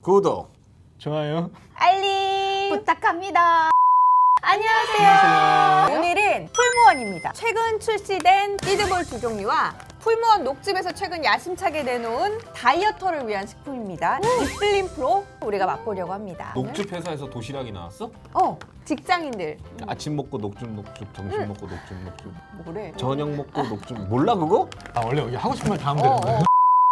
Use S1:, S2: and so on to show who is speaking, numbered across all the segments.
S1: 구독,
S2: 좋아요.
S3: 알림
S4: 부탁합니다.
S3: 안녕하세요. 오늘은 풀무원입니다. 최근 출시된 피드볼 두 종류와 풀무원 녹즙에서 최근 야심차게 내놓은 다이어터를 위한 식품입니다. 이슬림 프로 우리가 맛보려고 합니다.
S1: 녹즙 회사에서 도시락이 나왔어?
S3: 직장인들
S1: 아침 먹고 녹즙, 점심 먹고 녹즙.
S3: 뭐래?
S1: 저녁 먹고 녹즙. 몰라 그거?
S2: 아 원래 여기 하고 싶은 말 다 하면 되는데.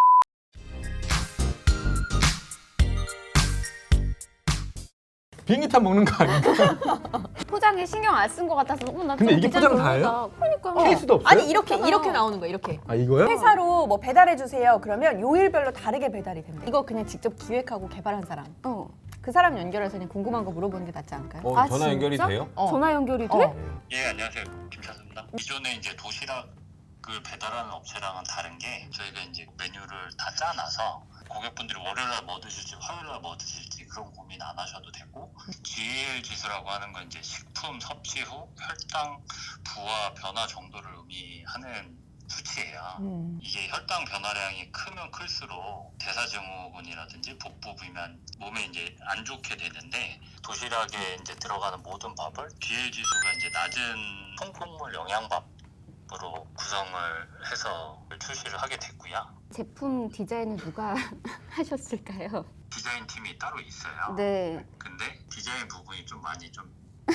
S2: 비행기탄 먹는 거 아닌가?
S4: 포장에 신경 안 쓴 것 같아서 나
S2: 근데
S4: 좀
S2: 이게
S4: 디자인
S2: 포장 다예요?
S4: 너무하다. 그러니까.
S2: 케이스도 없어요?
S3: 아니 이렇게 나오는 거야 이렇게.
S2: 아 이거요?
S3: 회사로 뭐 배달해 주세요. 그러면 요일별로 다르게 배달이 된대. 이거 그냥 직접 기획하고 개발한 사람. 그 사람 연결해서 그냥 궁금한 거 물어보는 게 낫지 않을까요?
S1: 어,
S4: 아,
S1: 전화 연결이
S4: 진짜?
S1: 돼요?
S4: 전화 연결이 돼?
S5: 예, 안녕하세요. 김찬수입니다. 기존에 이제 도시락을 배달하는 업체랑은 다른 게 저희가 이제 메뉴를 다 짜놔서 고객분들이 월요일날 뭐 드실지 화요일날 뭐 드실지 그런 고민 안 하셔도 되고 GL 지수라고 하는 건 이제 식품 섭취 후 혈당 부하 변화 정도를 의미하는 수치예요. 이게 혈당 변화량이 크면 클수록 대사증후군이라든지 복부 비만 몸에 이제 안 좋게 되는데 도시락에 이제 들어가는 모든 밥을 DL 지수가 이제 낮은 통곡물 영양밥으로 구성을 해서 출시를 하게 됐고요.
S4: 제품 디자인은 누가 하셨을까요?
S5: 디자인 팀이 따로 있어요.
S4: 네.
S5: 근데 디자인 부분이 좀 많이 좀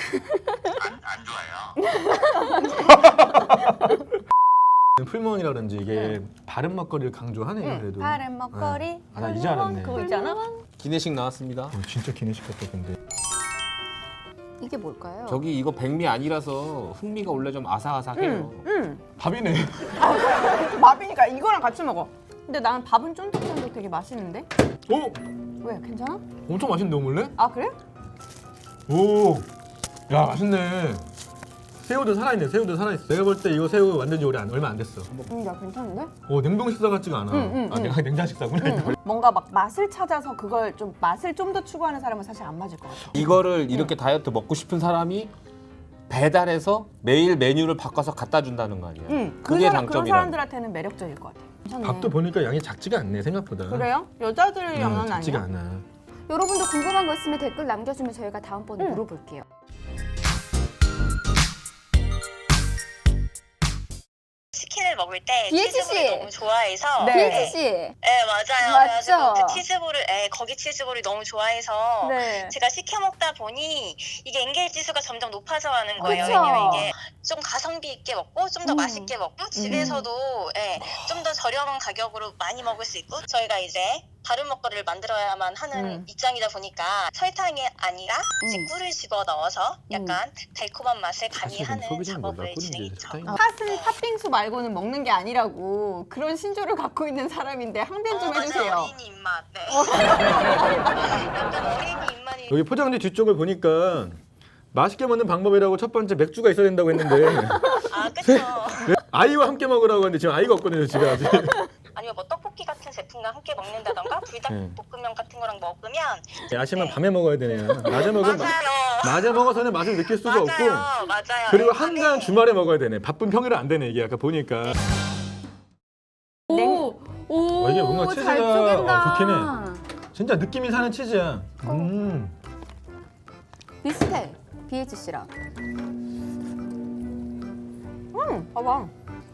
S5: 안 좋아요.
S2: 풀무원이라든지 이게 바른 먹거리를 강조하네요. 그래도.
S3: 바른 먹거리.
S2: 아, 나 이제 알았네.
S3: 그거 있잖아.
S1: 기내식 나왔습니다.
S2: 진짜 기내식 같다 근데.
S4: 이게 뭘까요?
S1: 저기 이거 백미 아니라서 흥미가 원래 좀 아삭아삭해요.
S2: 밥이네.
S3: 밥이니까 이거랑 같이 먹어. 근데 나는 밥은 쫀득쫀득 되게 맛있는데?
S2: 오!
S3: 왜? 괜찮아?
S2: 엄청 맛있는데 오믈렛?
S3: 아 그래?
S2: 오! 야 맛있네. 새우도 살아있네. 새우도 살아있어. 내가 볼 때 이거 새우 만든 지 얼마 안 됐어.
S3: 야 괜찮은데?
S2: 냉동 식사 같지가 않아. 아 내가 냉장 식사구나. 이거.
S3: 뭔가 막 맛을 찾아서 그걸 좀 맛을 좀 더 추구하는 사람은 사실 안 맞을 것 같아.
S1: 이거를 이렇게 다이어트 먹고 싶은 사람이 배달해서 매일 메뉴를 바꿔서 갖다 준다는 거 아니에요?
S3: 그런
S1: 그게 장점이라.
S3: 사람들한테는 매력적일 것 같아. 괜찮네.
S2: 밥도 보니까 양이 작지가 않네 생각보다.
S3: 그래요? 여자들의 양은
S2: 작지가
S3: 아니야?
S2: 않아.
S4: 여러분도 궁금한 거 있으면 댓글 남겨주면 저희가 다음번에 물어볼게요.
S6: 치킨을 먹을 때
S4: 비에치 씨!
S6: 치즈볼을 너무 좋아해서
S3: 네.
S4: 비에치 씨.
S6: 네, 맞아요.
S4: 맞죠?
S6: 그래가지고 그 치즈볼을 거기 치즈볼을 너무 좋아해서
S3: 네.
S6: 제가 시켜 먹다 보니 이게 엔겔 지수가 점점 높아져가는 거예요.
S4: 그쵸?
S6: 왜냐면 이게 좀 가성비 있게 먹고 좀 더 맛있게 먹고 집에서도 좀 더 저렴한 가격으로 많이 먹을 수 있고 저희가 이제 다른 먹거리를 만들어야만 하는 입장이다 보니까 설탕이 아니라 이제 꿀을 집어 넣어서 약간 달콤한 맛을 가미하는 작업을 진행했죠.
S3: 팥은 팥빙수 말고는 먹는 게 아니라고 그런 신조를 갖고 있는 사람인데 항변 좀 해주세요.
S6: 맞아요. 어린이 입맛. 네. 약간 어린이 입맛이.
S2: 여기 포장지 뒤쪽을 보니까 맛있게 먹는 방법이라고 첫 번째 맥주가 있어야 된다고 했는데
S6: 아, 그쵸.
S2: 아이와 함께 먹으라고 하는데 지금 아이가 없거든요 집에 아직.
S6: 아니면 뭐 떡볶이 같은 제품과 함께 먹는다던가 불닭볶음면 같은 거랑 먹으면
S2: 야식만 밤에 먹어야 되네요. 낮에 먹으면
S6: 맞아요.
S2: 낮에 먹어서는 맛을 느낄 수가 없고
S6: 맞아요.
S2: 그리고
S6: 네,
S2: 한강
S6: 밤에.
S2: 주말에 먹어야 되네. 바쁜 평일은 안 되네 이게 아까 보니까.
S4: 오,
S2: 이게 뭔가
S4: 잘
S2: 치즈가
S4: 쪼갠다.
S2: 좋긴 해. 진짜 느낌이 사는 치즈야.
S4: 비슷해. 비에치 씨랑.
S3: 봐봐.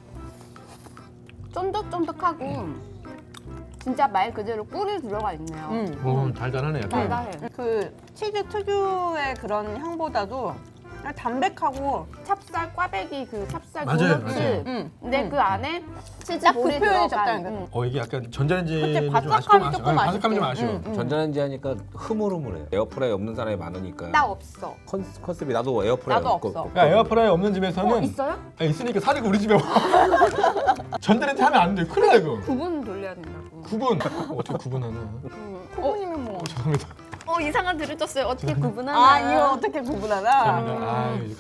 S4: 쫀득쫀득하고 진짜 말 그대로 꿀이 들어가 있네요.
S2: 달달하네 약간.
S4: 달달해.
S3: 그 치즈 특유의 그런 향보다도 그냥 담백하고
S4: 찹쌀 꽈배기 그 찹쌀
S2: 맞아요,
S4: 도넛집.
S2: 맞아요.
S4: 근데 그 안에 치즈
S3: 딱그
S4: 볼이
S3: 표현이
S4: 들어간.
S3: 적당한
S2: 이게 약간 전자레인지
S3: 그치,
S2: 좀
S3: 바삭함이
S2: 아쉽고
S3: 조금
S2: 바삭함이 좀
S3: 아쉽게.
S2: 아쉬워.
S1: 전자레인지 하니까 흐물흐물해. 에어프라이 없는 사람이 많으니까.
S4: 나 없어.
S1: 컨셉이 나도 에어프라이
S3: 나도
S1: 없고.
S3: 없어.
S2: 그러니까 에어프라이어 없는 집에서는
S4: 있어요?
S2: 있으니까 사리고 우리 집에 와. 전자레인지 하면 안 돼. 큰일 나 이거.
S4: 구분 돌려야 된다고.
S2: 구분. 어떻게 구분하나?
S3: 코분이면 뭐.
S2: 죄송합니다.
S4: 이상한 들을 쪘어요. 어떻게 구분하나?
S3: 아 이거 어떻게 구분하나?
S2: 죄송합니다.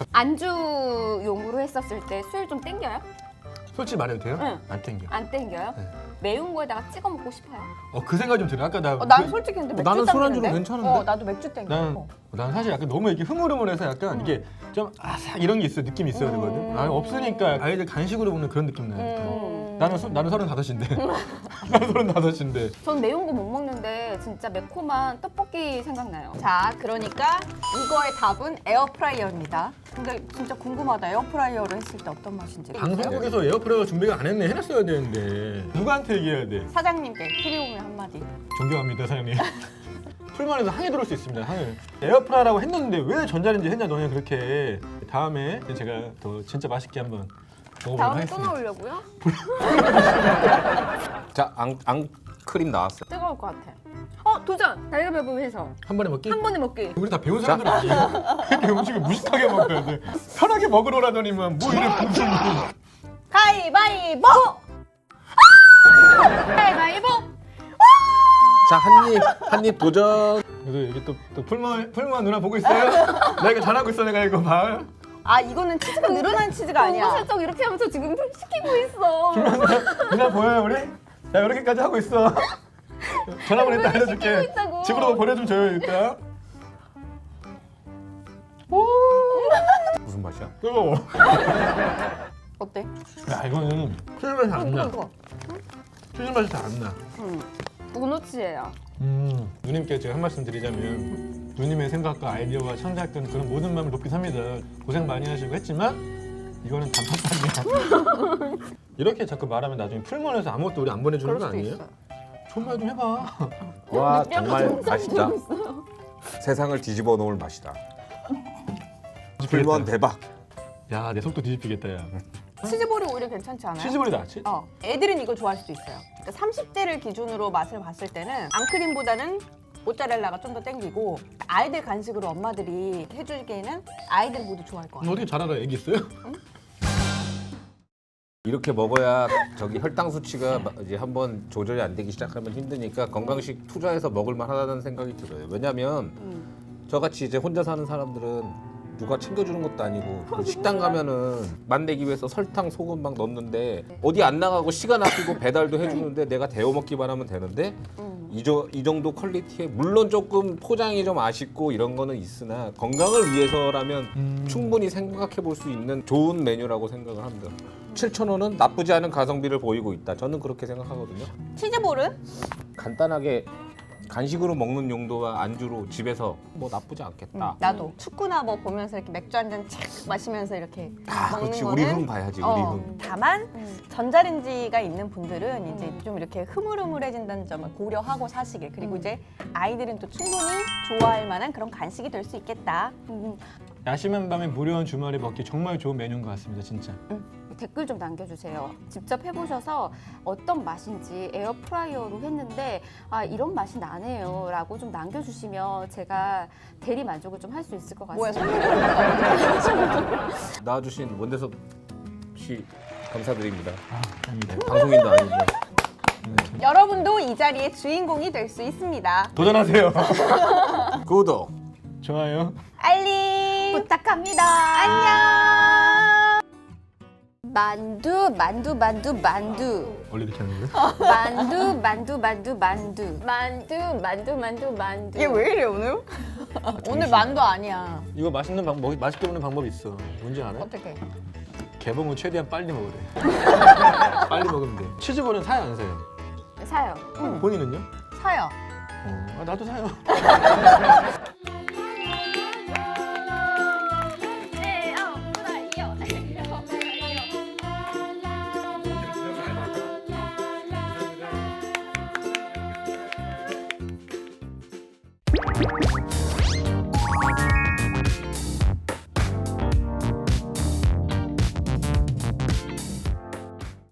S4: 안주용으로 했었을 때 술 좀 땡겨요?
S2: 솔직히 말해도 돼요?
S4: 응.
S2: 안 땡겨.
S4: 안 땡겨요?
S2: 네.
S4: 매운 거에다가 찍어 먹고 싶어요.
S2: 그 생각 좀 들어. 아까 나.
S3: 난 솔직히 근데 맥주
S1: 나는 술안주로
S3: 땡기는데?
S1: 괜찮은데?
S3: 나도 맥주 땡겨.
S2: 난 사실 약간 너무 이렇게 흐물흐물해서 약간 이게 좀 아삭 이런 게 있어 느낌이 있어야 되거든. 없으니까 아이들 간식으로 먹는 그런 느낌 나요. 나는 35인데. 나는 35인데.
S4: 전 매운 거 못 먹는데 때 진짜 매콤한 떡볶이 생각나요.
S3: 자, 그러니까 이거의 답은 에어프라이어입니다. 근데 진짜 궁금하다. 에어프라이어로 했을 때 어떤 맛인지.
S2: 방송국에서 에어프라이어 준비가 안 했네. 해놨어야 되는데. 누구한테 얘기해야 돼?
S3: 사장님께 TV 보면 한마디.
S2: 존경합니다, 사장님. 풀만에서 항의 들을 수 있습니다. 항의. 에어프라이라고 했는데 왜 전자레인지 했냐 너네 그렇게. 다음에 제가 더 진짜 맛있게 한번 먹어보도록
S4: 다음에 또
S2: 하겠습니다.
S4: 나오려고요?
S1: 자, 앙크림 나왔어.
S4: 뜨거울 것 같아. 도전! 가위바위보 해서
S2: 한 번에 먹기?
S4: 한 번에 먹기.
S2: 우리 다 배운 사람들 아니에요? 그렇게 음식을 무식하게 먹어야 돼. 편하게 먹으러라더니만 뭐 이래 무슨
S3: 가위바위보!
S4: 가위바위보!
S1: 자, 한 입 도전.
S2: 그래서 여기 또 풀만 누나 보고 있어요? 나 이거 잘하고 있어 내가 이거 봐.
S3: 아, 이거는 치즈가 늘어난 치즈가
S4: 뭔가
S3: 아니야.
S4: 살짝 이렇게 하면서 지금 시키고 있어.
S2: 누나 보여요 우리? 나 이렇게까지 하고 있어. 전화번호 일단
S4: 시키고
S2: 알려줄게.
S4: 있다고.
S2: 집으로 보내 좀 줘요 일단.
S1: 무슨 맛이야?
S2: 뜨거워.
S3: 어때?
S2: 야 이거는 치즈 맛이 안 나.
S3: 이거.
S2: 치즈 맛이 잘 안 나.
S4: 도너츠예요.
S2: 누님께 제가 한 말씀 드리자면 누님의 생각과 아이디어와 창작했던 그런 모든 마음을 높이 삽니다. 고생 많이 하시고 했지만 이거는 단팥빵이야. 이렇게 자꾸 말하면 나중에 풀먼에서 아무것도 우리 안 보내주는
S3: 그럴
S2: 거
S3: 수도
S2: 아니에요?
S3: 있어.
S2: 좋은 말 좀 해봐.
S1: 와, 정말 맛있다. 세상을 뒤집어 놓을 맛이다. 불먼 대박.
S2: 야, 내 속도 뒤집히겠다 야.
S3: 치즈볼이 오히려 괜찮지 않아요?
S2: 치즈볼이 낫지?
S3: 애들은 이걸 좋아할 수도 있어요. 그러니까 30대를 기준으로 맛을 봤을 때는 앙크림보다는 모짜렐라가 좀 더 땡기고 아이들 간식으로 엄마들이 해주기에는 아이들 모두 좋아할 것
S2: 너
S3: 같아요.
S2: 어떻게 잘 알아? 애기 있어요?
S1: 이렇게 먹어야 저기 혈당 수치가 이제 한번 조절이 안 되기 시작하면 힘드니까 건강식 투자해서 먹을 만하다는 생각이 들어요. 왜냐면 저같이 이제 혼자 사는 사람들은 누가 챙겨주는 것도 아니고 그 식당 가면은 맛내기 위해서 설탕, 소금 막 넣는데 어디 안 나가고 시간 아끼고 배달도 해주는데 내가 데워 먹기만 하면 되는데 이 정도 퀄리티에 물론 조금 포장이 좀 아쉽고 이런 거는 있으나 건강을 위해서라면 충분히 생각해 볼 수 있는 좋은 메뉴라고 생각을 합니다. 7,000원은 나쁘지 않은 가성비를 보이고 있다. 저는 그렇게 생각하거든요.
S3: 치즈볼은
S1: 간단하게 간식으로 먹는 용도와 안주로 집에서 뭐 나쁘지 않겠다.
S3: 나도 축구나 뭐 보면서 이렇게 맥주 한 잔 착 마시면서 이렇게
S1: 아,
S3: 먹는
S1: 그렇지.
S3: 거는
S1: 우리 흥 봐야지. 우리 흥.
S3: 다만 전자레인지가 있는 분들은 이제 좀 이렇게 흐물흐물해진다는 점을 고려하고 사시길. 그리고 이제 아이들은 또 충분히 좋아할 만한 그런 간식이 될 수 있겠다.
S2: 야심한 밤에 무료한 주말에 먹기 정말 좋은 메뉴인 것 같습니다 진짜.
S4: 댓글 좀 남겨주세요. 직접 해보셔서 어떤 맛인지 에어프라이어로 했는데 이런 맛이 나네요 라고 좀 남겨주시면 제가 대리 만족을 좀 할 수 있을 것
S3: 뭐야,
S4: 같습니다.
S3: 선물을
S1: 나와주신 원대섭 씨 감사드립니다.
S2: 아닙니다.
S1: 방송인도 아니고.
S3: 여러분도 이 자리의 주인공이 될 수 있습니다.
S2: 도전하세요.
S1: 구독.
S2: 좋아요.
S3: 알림
S4: 부탁합니다.
S3: 안녕.
S4: 만두.
S2: 원래 이렇게 하는 거야?
S4: 만두.
S3: 얘 왜 이래 오늘? 오늘 만두 아니야.
S2: 이거 맛있는 방법, 맛있게 먹는 방법이 있어. 뭔지 알아요?
S3: 어떻게?
S2: 개봉 후 최대한 빨리 먹으래. 빨리 먹으면 돼. 치즈볼은 사요 안 사요?
S4: 사요.
S2: 본인은요?
S3: 사요.
S2: 나도 사요.
S4: 에어프라이어.